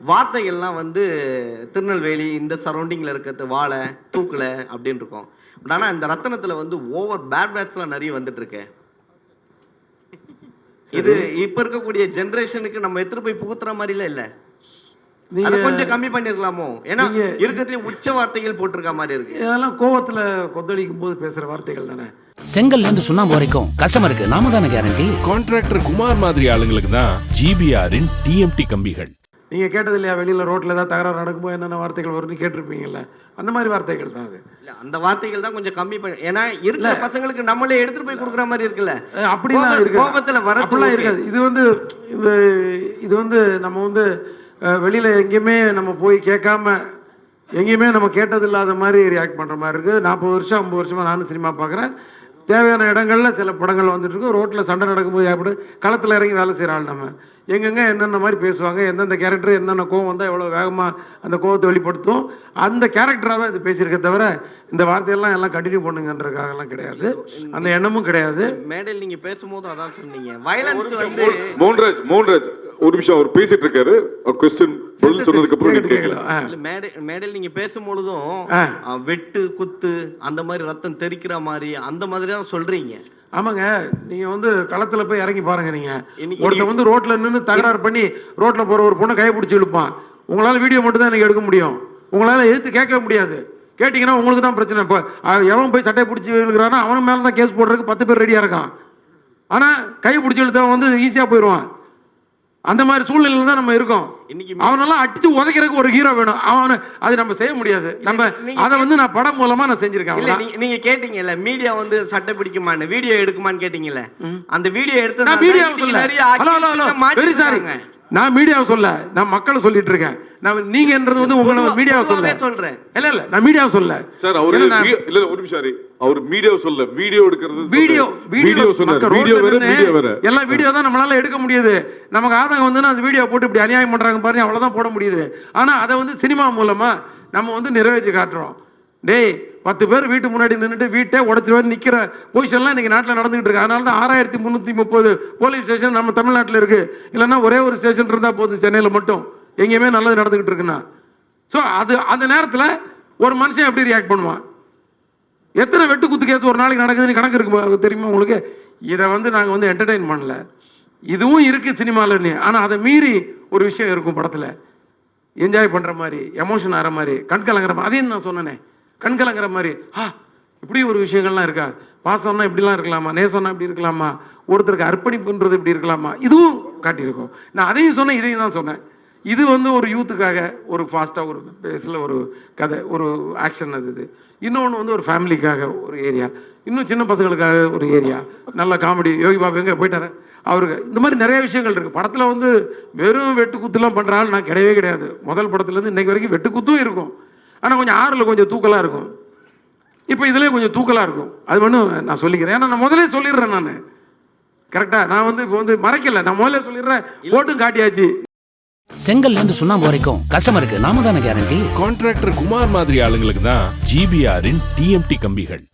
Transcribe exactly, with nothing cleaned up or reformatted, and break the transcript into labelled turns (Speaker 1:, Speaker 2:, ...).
Speaker 1: வார்த்தைகள்லாம் வந்து திருநெல்வேலி இந்த சரௌண்டிங்கில் இருக்கிறது வாழை தூக்கலை அப்படின்னு இருக்கும். பட் ஆனால் இந்த ரத்தனத்தில் வந்து ஓவர் பேட் பேட்ஸ்லாம் நிறைய வந்துட்டு இருக்கு. இது இப்போ இருக்கக்கூடிய ஜென்ரேஷனுக்கு நம்ம எடுத்துட்டு போய் புகுத்துற மாதிரிலாம் இல்லை. அதை கொஞ்சம் கம்மி பண்ணிருக்கலாமோ? ஏன்னா இருக்கிறதுல உச்ச வார்த்தைகள் போட்டிருக்க மாதிரி இருக்கு.
Speaker 2: இதெல்லாம் கோவத்துல கொந்தளிக்கும் போது பேசுற வார்த்தைகள் தானே.
Speaker 3: செங்கல்ல இருந்து சுண்ணாம்பு வரைக்கும் கஸ்டமருக்கு நாம தானே கேரண்டி.
Speaker 4: கான்ட்ராக்டர் குமார் மாதிரி ஆளுங்களுக்கு தான் ஜிபிஆரின் டிஎம்டி கம்பிகள்.
Speaker 2: நீங்க கேட்டது இல்லையா, வெளியில ரோட்ல ஏதாவது தகராறு நடக்கும்போது என்னென்ன வார்த்தைகள் வரும்னு கேட்டிருப்பீங்கல்ல, அந்த மாதிரி வார்த்தைகள் தான் அது.
Speaker 1: அந்த வார்த்தைகள் தான் கொஞ்சம் கம்மி பண்ணி, ஏன்னா இருக்கிற பசங்களுக்கு நம்மளே எடுத்துட்டு போய் கொடுக்குற மாதிரி இருக்குல்ல.
Speaker 2: அப்படிலாம் இருக்கு,
Speaker 1: கோபத்துல வர
Speaker 2: அப்படிலாம் இருக்காது. இது வந்து இது இது வந்து நம்ம வந்து வெளியில் எங்கேயுமே நம்ம போய் கேட்காம எங்கேயுமே நம்ம கேட்டது இல்லாத மாதிரி ரியாக்ட் பண்ணுற மாதிரி இருக்குது. நாற்பது வருஷம் ஐம்பது வருஷமாக நானும் சினிமா பார்க்குறேன். தேவையான இடங்களில் சில படங்கள் வந்துட்டு இருக்கும். ரோட்டில் சண்டை நடக்கும்போது ஏற்படு களத்தில் இறங்கி வேலை செய்கிற ஆள் நம்ம. எங்கெங்கே என்னென்ன மாதிரி பேசுவாங்க, எந்தெந்த கேரக்டர் என்னென்ன கோவம் வந்தால் எவ்வளோ வேகமாக அந்த கோவத்தை வெளிப்படுத்தும், அந்த கேரக்டராக தான் இது பேசியிருக்க தவிர இந்த வார்த்தையெல்லாம் எல்லாம் கண்டினியூ பண்ணுங்கன்றதுக்காகலாம் கிடையாது, அந்த எண்ணமும் கிடையாது.
Speaker 1: மேடையில் நீங்கள் பேசும்போது அதான் சொன்னீங்க, வயலன்ஸ் வந்து.
Speaker 5: மோகன்ராஜ் மோகன்ராஜ் ஒரு நிமிஷம் அவர் பேசிட்டு இருக்காரு. கொஸ்டின் பதில் சொன்னதுக்கு அப்புறம் நீங்க கேட்கலாம்.
Speaker 1: மேடை மேடையில் நீங்க பேசும்பொழுதும் வெட்டு குத்து அந்த மாதிரி ரத்தம் தெறிக்கிற மாதிரி அந்த மாதிரி தான் சொல்றீங்க.
Speaker 2: ஆமாங்க, நீங்க வந்து களத்துல போய் இறங்கி பாருங்க. நீங்க ஒருத்த வந்து ரோட்ல நின்று தகராறு பண்ணி ரோட்ல போற ஒரு பொண்ணை கையை பிடிச்சி இழுப்பான். உங்களால வீடியோ மட்டும் தான் எனக்கு எடுக்க முடியும், உங்களால எதிர்த்து கேட்க முடியாது. கேட்டீங்கன்னா உங்களுக்கு தான் பிரச்சனை. இப்போ எவன் போய் சட்டையை பிடிச்சி இழுக்கிறானோ அவன் மேல தான் கேஸ் போடுறதுக்கு பத்து பேர் ரெடியா இருக்கான். ஆனா கையை பிடிச்சி இழுத்தவன் வந்து ஈஸியா போயிடுவான். அந்த மாதிரி சூழ்நிலையில தான் நம்ம இருக்கோம். அவனெல்லாம் அடிச்சு உதைக்கிறதுக்கு ஒரு ஹீரோ வேணும். அவனு அது நம்ம செய்ய முடியாது. நம்ம அதை வந்து நான் படம் மூலமா நான் செஞ்சிருக்கேன்.
Speaker 1: நீங்க கேட்டீங்கல்ல மீடியா வந்து சட்டை பிடிக்குமான்னு, வீடியோ எடுக்குமான்னு கேட்டீங்கல்ல, அந்த வீடியோ எடுத்து
Speaker 2: நான் வீடியோ சொல்ல. ஹலோ ஹலோ வெரி சாரி, நான் மீடியாவை சொல்ல, நான் மக்களை சொல்லிட்டு இருக்கேன். நான் நீங்கன்றது வந்து உங்களை மீடியாவை சொல்ல
Speaker 1: சொல்றேன்.
Speaker 2: இல்ல இல்ல நான் மீடியாவை சொல்ல
Speaker 5: சார். அவரு இல்ல ஒரு நிமிஷம், அவர் மீடியாவை சொல்ல, வீடியோ எடுக்கிறது.
Speaker 2: வீடியோ வீடியோ
Speaker 5: சொன்னாரு, வீடியோ வேற வீடியோ வேற.
Speaker 2: எல்லாம் வீடியோ தான் நம்மளால எடுக்க முடியுது. நமக்கு ஆதங்கம் வந்து அந்த வீடியோ போட்டு இப்படி அநியாயம் பண்றாங்க பாருங்க, அவ்வளவுதான் போட முடியுது. ஆனா அதை வந்து சினிமா மூலமா நம்ம வந்து நிறைவேற்றி காட்டுறோம். டேய், பத்து பேர் வீட்டு முன்னாடி நின்றுட்டு வீட்டை உடச்சிட்டு நிற்கிற பொசிஷன்லாம் இன்னைக்கு நாட்டில் நடந்துகிட்டு இருக்கு. அதனால தான் ஆறாயிரத்தி முந்நூற்றி முப்பது போலீஸ் ஸ்டேஷன் நம்ம தமிழ்நாட்டில் இருக்கு. இல்லைன்னா ஒரே ஒரு ஸ்டேஷன் இருந்தால் போதும் சென்னையில் மட்டும், எங்கேயுமே நல்லது நடந்துகிட்டு இருக்குன்னா. ஸோ அது அந்த நேரத்தில் ஒரு மனுஷன் எப்படி ரியாக்ட் பண்ணுவான்? எத்தனை வெட்டு குத்து கேஸ் ஒரு நாளைக்கு நடக்குதுன்னு கணக்கு இருக்கு தெரியுமா உங்களுக்கு? இதை வந்து நாங்கள் வந்து என்டர்டெயின் பண்ணல, இதுவும் இருக்குது சினிமாவில்னு. ஆனால் அதை மீறி ஒரு விஷயம் இருக்கும் படத்தில், என்ஜாய் பண்ணுற மாதிரி, எமோஷன் ஆகிற மாதிரி, கண் கலங்குற மாதிரி. அதையும் நான் சொன்னேனே, கண் கலங்குற மாதிரி. ஆ, இப்படி ஒரு விஷயங்கள்லாம் இருக்கா? பாசம்னா இப்படிலாம் இருக்கலாமா? நேசம்னா இப்படி இருக்கலாமா? ஒருத்தருக்கு அர்ப்பணிப்புன்றது இப்படி இருக்கலாமா? இதுவும் காட்டியிருக்கோம். நான் அதையும் சொன்னேன், இதையும் தான் சொன்னேன். இது வந்து ஒரு யூத்துக்காக ஒரு ஃபாஸ்ட்டாக ஒரு பேஸில் ஒரு கதை, ஒரு ஆக்ஷன். அது இது. இன்னொன்று வந்து ஒரு ஃபேமிலிக்காக ஒரு ஏரியா, இன்னும் சின்ன பசங்களுக்காக ஒரு ஏரியா, நல்ல காமெடி. யோகி பாபு எங்கே போயிட்டாரு அவருக்கு. இந்த மாதிரி நிறைய விஷயங்கள் இருக்குது படத்தில். வந்து வெறும் வெட்டு குத்துலாம் பண்ணுறாள் நான் கிடையவே கிடையாது. முதல் படத்துலேருந்து இன்னைக்கு வரைக்கும் வெட்டு குத்தும் இருக்கும், ஆனால் கொஞ்சம் ஆறில் கொஞ்சம் தூக்கலாக இருக்கும். இப்போ இதுலேயே கொஞ்சம் தூக்கலாக இருக்கும். அது ஒன்றும் நான் சொல்லிக்கிறேன், ஏன்னா நான் முதலே சொல்லிடுறேன். நான் கரெக்டாக நான் வந்து இப்போ வந்து மறைக்கல, நான் முதல்ல சொல்லிடுறேன், ஓட்டும் காட்டியாச்சு.
Speaker 3: செங்கல்ல இருந்து சுண்ணாம்பு வரைக்கும் கஸ்டமருக்கு நாம தானே கேரண்டி.
Speaker 4: கான்ட்ராக்டர் குமார் மாதிரி ஆளுங்களுக்கு தான் ஜிபிஆரின் டிஎம்டி கம்பிகள்.